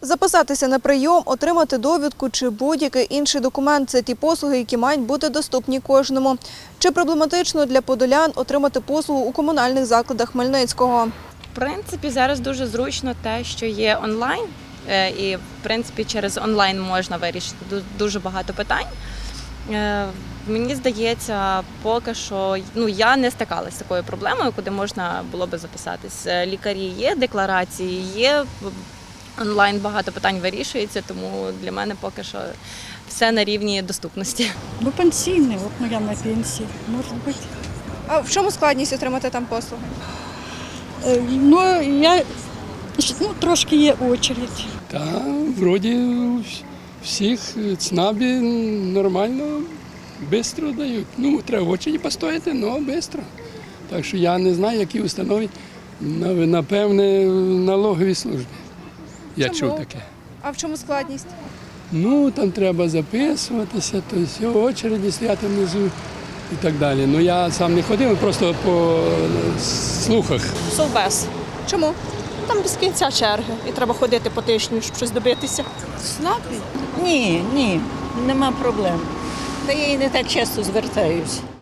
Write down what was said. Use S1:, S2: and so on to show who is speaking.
S1: Записатися на прийом, отримати довідку чи будь-який інший документ – це ті послуги, які мають бути доступні кожному. Чи проблематично для подолян отримати послугу у комунальних закладах Хмельницького?
S2: В принципі, зараз дуже зручно те, що є онлайн, і в принципі через онлайн можна вирішити дуже багато питань. Мені здається, поки що я не стикалася з такою проблемою, куди можна було би записатись. Лікарі є, декларації є, онлайн багато питань вирішується, тому для мене поки що все на рівні доступності.
S3: Пенсійний, от моя на пенсії, може бути.
S1: А в чому складність отримати там послуги?
S3: Трошки є очередь.
S4: Та, вроді всіх ЦНАПі нормально, швидко дають. Треба в очереді постояти, але швидко. Так що я не знаю, які установи, напевне, налогові служби. Я чув таке.
S1: А в чому складність?
S4: Там треба записуватися, то все, в очереді стояти внизу і так далі. Я сам не ходив, просто по слухах.
S5: Совбез.
S1: Чому?
S5: Там без кінця черги і треба ходити по тижню, щоб щось добитися.
S6: Ні, нема проблем. Та я і не так часто звертаюсь.